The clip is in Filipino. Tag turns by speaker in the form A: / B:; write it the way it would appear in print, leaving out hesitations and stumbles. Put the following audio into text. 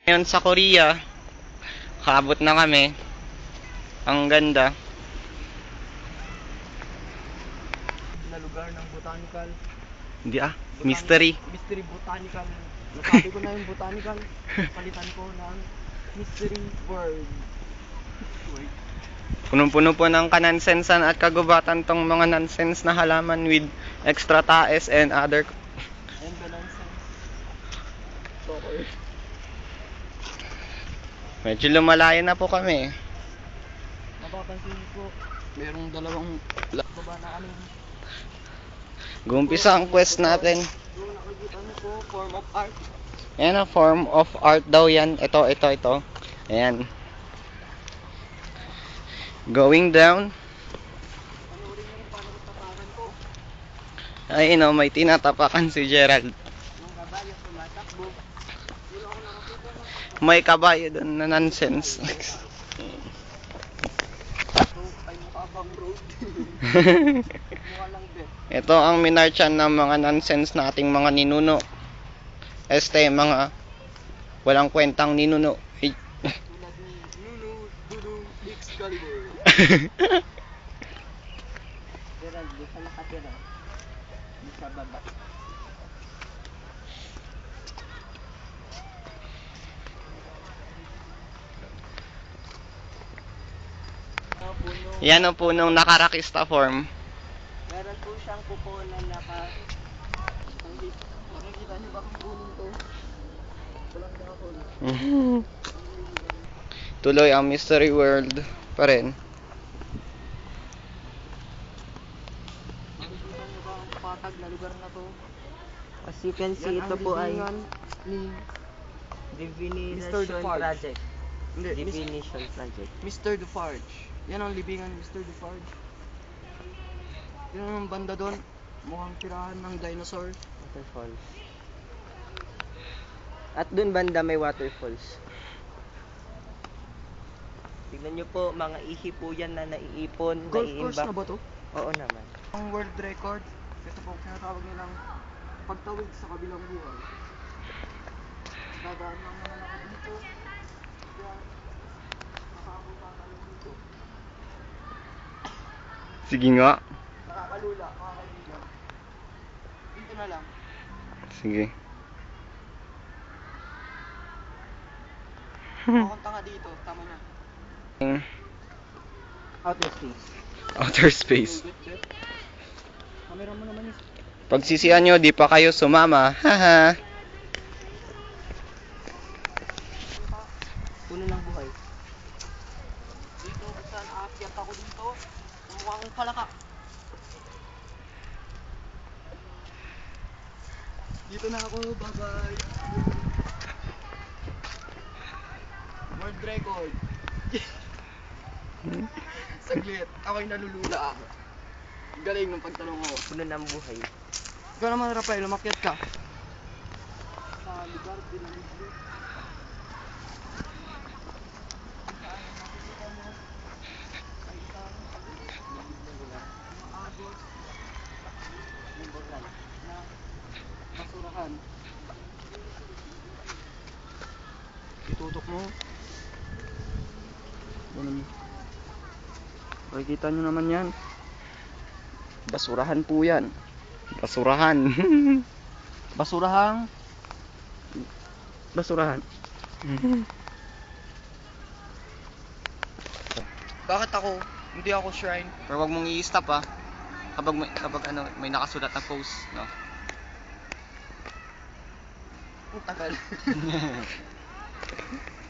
A: Ngayon sa Korea, kaabot na kami. Ang ganda.
B: Na lugar ng botanical.
A: Hindi mystery.
B: Mystery botanical. Nasabi ko na yung botanical. Palitan ko ng mystery world.
A: Punong-puno po ng kanansensan at kagubatan tong mga nonsense na halaman with extra taes and other.
B: And the nonsense. Soccer.
A: Medyo lumalayo na po kami.
B: Napapansin ko, merong dalawang baba na ano.
A: Gumpisa ang quest natin.
B: Yung nakikita niyo po, form of art.
A: Ayan ang form of art daw yan. Ito. Ayan. Going down.
B: Panoorin niyo kung paano tapakan ko.
A: Ay, may tinatapakan si Gerald.
B: Yung kabayo tumatakbo. Yun ako nakakita ng
A: May kabayo doon na nonsense.
B: so, ay mukha bang road. Mukha lang bet.
A: Ito ang minarchan ng mga nonsense nating mga ninuno. Mga walang kwentang ninuno. Ay.
B: Tulad ni Nunu, Dudu, Excalibur. Gerald, di ka nakatira. Di sa baba.
A: Yan ang punong nakarakista form.
B: Meron po siyang kuko na nakikita niyo ba kung punong to? Walang dahon.
A: Tuloy ang mystery world pa rin.
B: Nakikita niyo ba ang patag na lugar na to?
C: As you can see,
B: Yan
C: ito
B: ang
C: po ay
B: libingan ni
C: Divination
B: Defarge.
C: Project.
B: Hindi,
C: Divination Project.
B: Mr. Defarge. Yan ang libingan ni Mr. Defarge. Yan ang banda doon. Mukhang tirahan ng dinosaur.
C: Waterfalls. At dun banda may waterfalls. Tignan nyo po, mga ihi po yan na naiipon,
B: Golf course
C: naiimbak.
B: na ba to?
C: Oo naman.
B: Ang world record, ito po tinatawag nilang pagtawid sa kabilang buhay. Dadaan lang naman ako dito. Kaya, nakapunta tayo dito.
A: Sige nga.
B: Nakakalula, mga kaibigan. Dito na lang.
A: Sige.
B: Pakunta nga dito, tama na.
C: Outer space.
A: Outer space.
B: Camera mo naman is.
A: Pagsisihan nyo, di pa kayo sumama. Haha.
C: Puno ng buhay.
B: Dito, kung saan aakyat ako dito, kumukha akong palaka. Dito na ako, bye-bye. World record. Saglit, ako'y nalulula. Galing ng pagtanong ko.
C: Puno ng buhay.
B: Ikaw naman, Rafael, umakyat ka. Sa lugar, pinamigli. Basurahan. Itutok mo. Ganun. Makikita nyo naman yan. Basurahan po yan.
A: Basurahan.
B: Basurahan. Basurahan. Bakit ako? Hindi ako shrine.
A: Pero wag mong i-stop Kapag may nakasulat na post, no.
B: Ang tagal.